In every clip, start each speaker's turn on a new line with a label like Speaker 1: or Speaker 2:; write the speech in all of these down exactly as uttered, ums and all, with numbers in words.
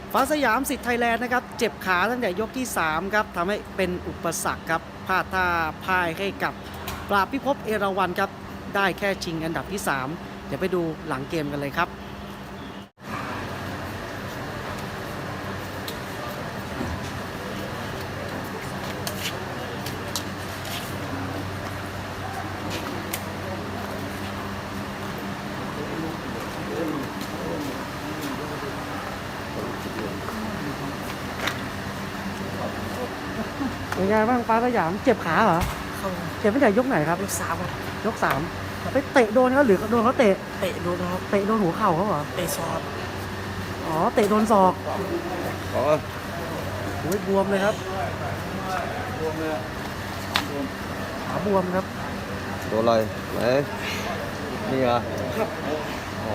Speaker 1: ฟ้าสยามสิทธิ์ไทยแลนด์นะครับเจ็บขาตั้งแต่ยกที่สามครับทำให้เป็นอุปสรรคครับพลาดท่าพ่ายให้กับปราบพิภพเอราวัณครับได้แค่ชิงอันดับที่สามเดี๋ยวไปดูหลังเกมกันเลยครับเป็นไงบ้างฟ้าสยามเจ็บขาเหรอ
Speaker 2: เข้า
Speaker 1: เจ็บตั้งแต่ยกไหนครับ
Speaker 2: ลูกสาวครับ
Speaker 1: ยกสามไปเตะโดนเขาหรือโดนเขาเตะ
Speaker 2: เตะโดนครับ
Speaker 1: เตะโดนหัวเข่าเขาเหรอ
Speaker 2: เตะซอด
Speaker 1: อ๋อเตะโดนศอก
Speaker 3: อ๋อ
Speaker 1: โอ้ยบวมเลยครับขาบวมครับ
Speaker 3: โดนอะไรไหนนี่เหรออ๋อ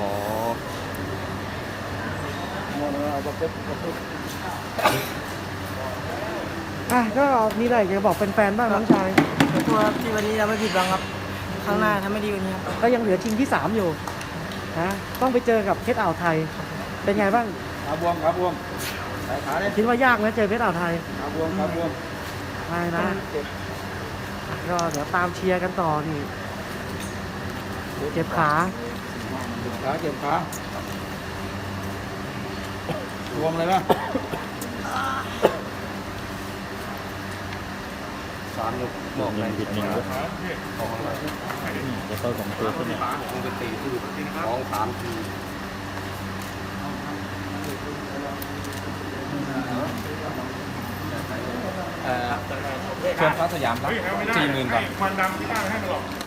Speaker 1: อ่ะก็มีอะไรอยากจะบอกแฟนๆบ้างน้องชาย
Speaker 2: ขอโทษครับที่วันนี้เราไม่ผิดหวังครับครั้งหน้าทำไม่ดีกว่านี้ครับ
Speaker 1: ก็ยังเหลือชิงที่สามอยู่นะต้องไปเจอกับเพชรอ่าวไทย เป็นไงบ้าง
Speaker 3: ขาบวมขาบวมสายขาเนี่ย
Speaker 1: คิดว่ายากไหมเจอเพชรอ่าวไทย
Speaker 3: ขาบวมขาบวม
Speaker 1: ไม่นะก็เดี๋ยวตามเชียร์กันต่อนี่เจ็บขา
Speaker 3: เจ็บขาเจ็บขาบวมเลยป่ะสามยกบอกเลยผิดหนึ่งยกของอะไร
Speaker 4: จะเข้าสองตัวขึ้นเนี่ย
Speaker 3: มึงไปตีที่สองสามทีเอ่อเชิญฟ้าสยามครับสี่หมื่นก่อน
Speaker 5: ควันดำที่บ้านให้มันหรอก